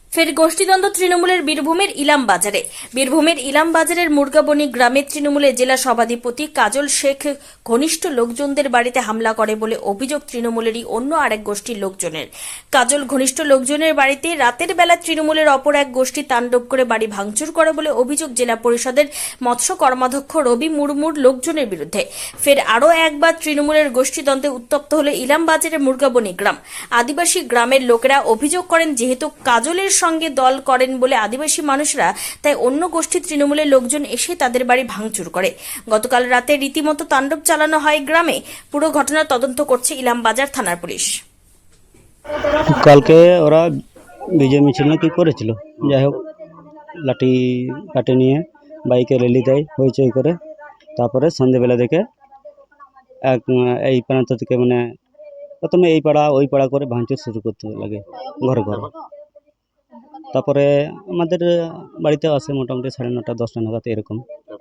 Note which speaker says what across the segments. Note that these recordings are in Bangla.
Speaker 1: ফের গোষ্ঠীদ্বন্দ্ব তৃণমূলের বীরভূমের ইলাম বাজারের মুরগাবনি গ্রামের তৃণমূলের জেলা সভাধিপতি কাজল শেখ ঘনিষ্ঠ লোকজনদের বাড়িতে হামলা করে বলে অভিযোগ তৃণমূলেরই অন্য আরেক গোষ্ঠীর লোকজনের। কাজল ঘনিষ্ঠ লোকজনের বাড়িতে রাতের বেলা তৃণমূলের অপর এক গোষ্ঠী তাণ্ডব করে বাড়ি ভাঙচুর করে বলে অভিযোগ জেলা পরিষদের মৎস্য কর্মাধ্যক্ষ রবি মুর্মুর লোকজনের বিরুদ্ধে। ফের আরও একবার তৃণমূলের গোষ্ঠীদ্বন্দ্বে উত্তপ্ত হলো ইলাম বাজারের মুরগাবনি গ্রাম। আদিবাসী গ্রামের লোকেরা অভিযোগ করেন, যেহেতু কাজলের সঙ্গে দল করেন বলে আদিবাসী মানুষরা, তাই অন্য গোষ্ঠী তৃণমূলের লোকজন এসে তাদের বাড়ি ভাঙচুর করে। গতকাল রাতে রীতিমতো তাণ্ডব চালানো হয় গ্রামে। পুরো ঘটনার তদন্ত করছে ইলামবাজার থানার পুলিশ।
Speaker 2: কালকে ওরা বিজয় মিছিল না কি করেছিল, যাই হোক লাঠি কাটে নিয়ে বাইকে র্যালি দেয় হইচই করে। তারপরে সন্ধ্যেবেলা দেখে এই প্রান্ত থেকে মানে প্রথমে এই পাড়া ওই পাড়া করে ভাঙচুর শুরু করতে লাগে ঘরে ঘরে। তারপরে আমাদের বাড়িতে আসে মোটামুটি 9:30 10টা নাগাদ এরকম।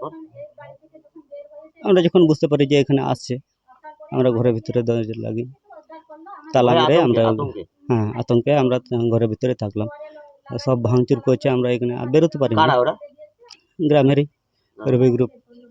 Speaker 2: আমরা যখন বুঝতে পারি যে এখানে আসছে, আমরা ঘরের ভিতরে দরজা লাগি, তালা মেরে আমরা আতঙ্কে আমরা ঘরের ভিতরে থাকলাম। সব ভাঙচুর করছে, আমরা এখানে আর বেরোতে পারি না। গ্রামেরই রবি গ্রুপ।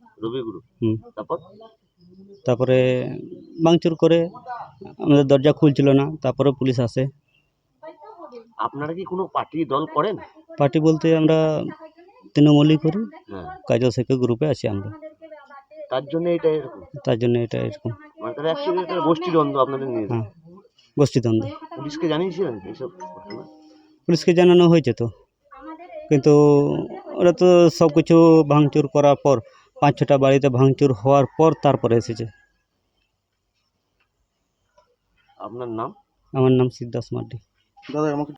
Speaker 2: তারপরে ভাঙচুর করে আমাদের দরজা খুলছিল না, তারপরে পুলিশ আসে।
Speaker 3: আপনারা কি কোনো পার্টি দল করেন?
Speaker 2: পার্টি বলতে আমরা তৃণমূলই করি, কাজল শেখের গ্রুপে আছি আমরা।
Speaker 3: তার জন্য এটা
Speaker 2: এরকম
Speaker 3: মানে তাহলে অ্যাকচুয়ালি এটা গোষ্ঠীদ্বন্দ্ব আপনাদের নিয়ে।
Speaker 2: হ্যাঁ, গোষ্ঠীদ্বন্দ্ব।
Speaker 3: পুলিশকে জানিয়েছিলেন এইসব ঘটনা?
Speaker 2: পুলিশকে জানানো হয়েছে তো, কিন্তু ওরা তো সব কিছু ভাঙচুর করার পর 5-6টা বাড়িতে ভাঙচুর হওয়ার পর তারপরে এসেছে।
Speaker 3: আপনার নাম?
Speaker 2: আমার নাম সিদ্ধাস মার্ডি।
Speaker 3: দাদা আমাকে